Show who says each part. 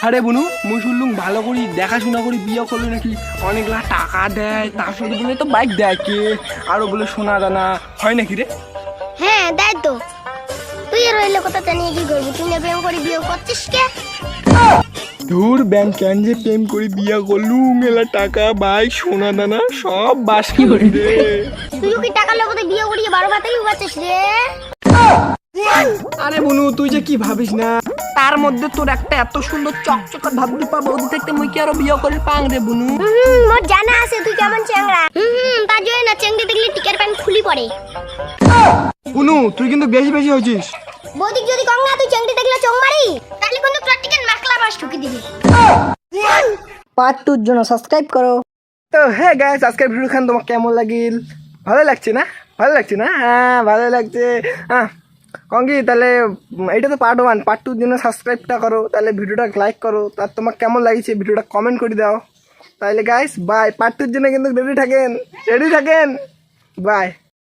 Speaker 1: আরে বুনু মুই শুনলুম ভালো করি দেখাশোনা করি বিয়ে করলে নাকি অনেকগুলা টাকা দেয়, তার সাথে বলে তো বাইক দেয় কে, আরো বলে সোনা দানা, হয় নাকি রে?
Speaker 2: হ্যাঁ দেয় তো। তুই আর রইলে কথা জানিয়ে কি করবি? তুই না প্রেম করে বিয়ে করছিস কে?
Speaker 1: ধুর ব্যাংক কেন যে প্রেম করে বিয়ে করলুম, এলা টাকা বাইক সোনা দানা সব বাস কি রে।
Speaker 2: তুইও কি টাকার লোকতে বিয়ে করিয়ে 12 ভাতেই উবাচ্ছিস রে?
Speaker 1: আরে বুনু তুই যে কি ভাবিস না, তার মধ্যে তোর একটা এত সুন্দর চকচকা ভাবতে পাবো দেখতে মুই কি আরো বিয়ে করে পাং রে বুনু।
Speaker 2: মোর জানা আছে তুই কেমন চ্যাংড়া। তার জন্য না চেংড়ি দেখলে টিকের প্যান্ট খুলি পড়ে।
Speaker 1: বুনু তুই কিন্তু বেশি বেশি হয়েছিস।
Speaker 2: বৌদিক যদি কম না তুই চেংড়ি দেখলে চোখ মারি, তাহলে কিন্তু তোর টিকেন মাকলা বাস ঠুকি দিবি।
Speaker 3: পার্ট 2 জন্য সাবস্ক্রাইব করো।
Speaker 1: তো হ্যাঁ গাইস, আজকের ভিডিও খান তোমার কেমন লাগিল? ভালো লাগছে না? ভালো লাগছে না? হ্যাঁ ভালো লাগছে। হ্যাঁ কঙ্কি তাহলে এটা তো পার্ট 1, পার্ট 2 জন্য সাবস্ক্রাইবটা করো, তাহলে ভিডিওটা লাইক করো, তার তোমার কেমন লাগছে ভিডিওটা কমেন্ট করে দাও। তাহলে গাইস বাই, পার্ট 2 জন্য কিন্তু রেডি থাকেন, বাই।